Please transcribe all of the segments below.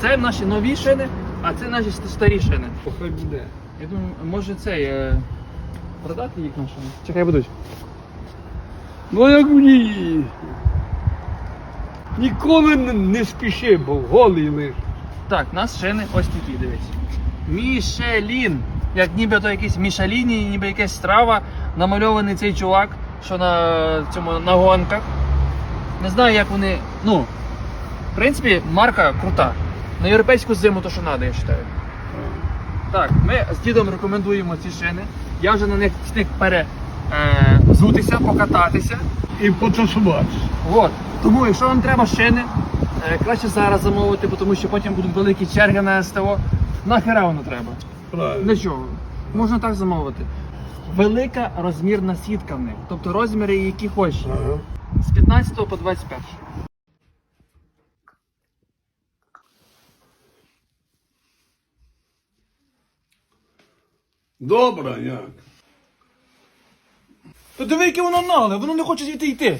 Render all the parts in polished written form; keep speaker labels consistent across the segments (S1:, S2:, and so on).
S1: Це наші нові шини, а це наші старі шини.
S2: Хай буде.
S1: Я думаю, може продати їх на шини? Чекай, будуть.
S2: Ну як мені. Ніколи не спіши, бо голий лиш.
S1: Так, у нас шини ось такі, дивись. Мішелін. Як нібито якийсь Мішеліні, ніби якась страва. Намальований цей чувак, що на гонках. Не знаю, як вони. Ну, в принципі, марка крута. На європейську зиму то, що треба, я вважаю. Так, ми з дідом рекомендуємо ці шини. Я вже на них встиг перезутися, покататися.
S2: І потасуватися.
S1: От. Тому, якщо вам треба шини, краще зараз замовити, тому що потім будуть великі черги на СТО. Нахера воно треба?
S2: Правильно.
S1: Для чого? Можна так замовити. Велика розмірна сітка в них. Тобто розміри, які хочеш.
S2: Ага.
S1: З 15 по 21.
S2: Добре, як?
S1: Та диви, яке воно нагле, воно не хоче звідти йти.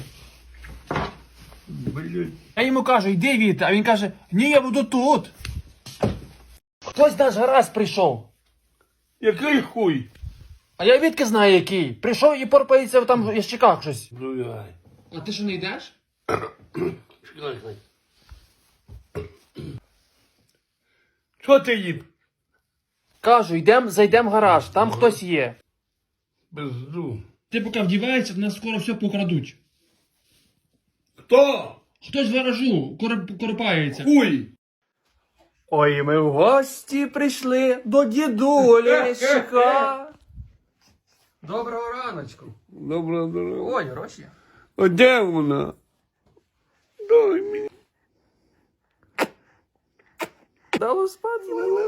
S2: Блять.
S1: Я йому кажу, йди звідти, а він каже, ні, я буду тут. Хтось наш гаразд прийшов.
S2: Який хуй?
S1: А я відки знаю який. Прийшов і порпається там в ящиках щось.
S2: Ну яй.
S1: А ти що не йдеш?
S2: Чекай. Що ти їм?
S1: Кажу, зайдем в гараж, там хтось є.
S2: Безду.
S1: Ти поки вдіваєшся, в нас скоро все покрадуть.
S2: Хто?
S1: Хтось в гаражу корпається.
S2: Хуй.
S1: Ой, ми в гості прийшли до дідулечка. Доброго раночку.
S2: Добре, добре.
S1: Ой, гроші.
S2: А де вона? Дай мені.
S1: Дало спати.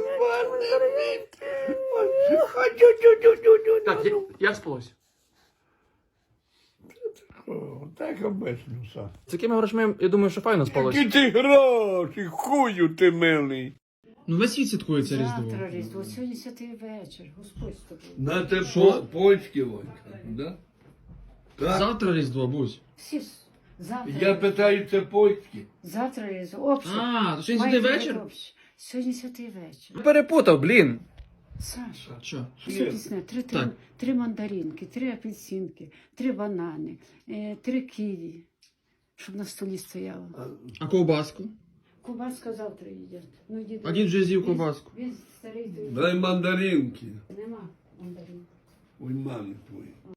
S1: Так, як спалось?
S2: Так обично все.
S1: З такими грошми, я думаю, що файно спалось.
S2: Які ти гроші, хую ти милий.
S1: Ну весь світ святкується
S3: Завтра Різдво, сьогодні святий вечір, Господь з тобою.
S2: На те
S1: Що?
S2: польські войка, да? Так?
S1: Завтра Різдво, Бусь.
S3: Всі ж завтра.
S2: Я питаю, це польські?
S3: Завтра Різдво, общий.
S1: А, то сьогодні святий
S3: Маєте
S1: вечір?
S3: бути общий. Сьогодні святий вечір.
S1: Перепутав, блін.
S3: Саша,
S1: Що?
S3: все пісне,
S1: Так.
S3: три мандаринки, 3 апельсинки, 3 банани, 3 ківі, щоб на столі стояло.
S1: А ковбаску?
S3: Кубаска завтра їдять. Ну,
S1: А дід вже з'їв ковбаску.
S3: Він старий, то
S2: Дай мандаринки.
S3: нема мандаринки.
S2: Ой, мами твої.